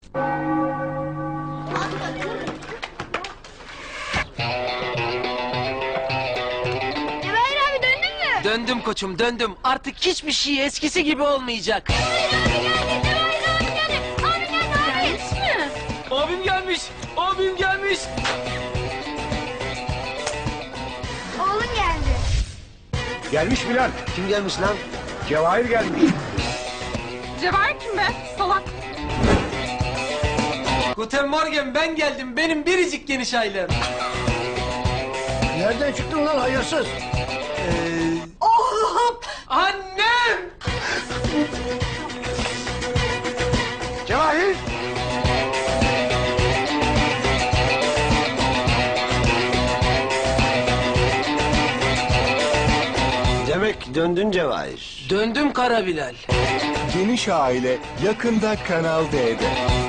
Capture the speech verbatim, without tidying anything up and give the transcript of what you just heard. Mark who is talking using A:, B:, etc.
A: Cevahir abi döndün mü?
B: Döndüm koçum, döndüm. Artık hiçbir şey eskisi gibi olmayacak. Abim gelmiş, abim gelmiş.
A: Oğlun geldi.
C: Gelmiş Bilal.
B: Kim gelmiş lan?
C: Cevahir gelmiş.
D: Cevahir kim be? Salak.
B: Guten Morgen, ben geldim. Benim biricik geniş ailem.
C: Nereden çıktın lan hayırsız?
B: Oğlum! Annem!
C: Cevahir.
E: Demek döndün Cevahir.
B: Döndüm Kara Bilal.
F: Geniş Aile yakında Kanal D'de.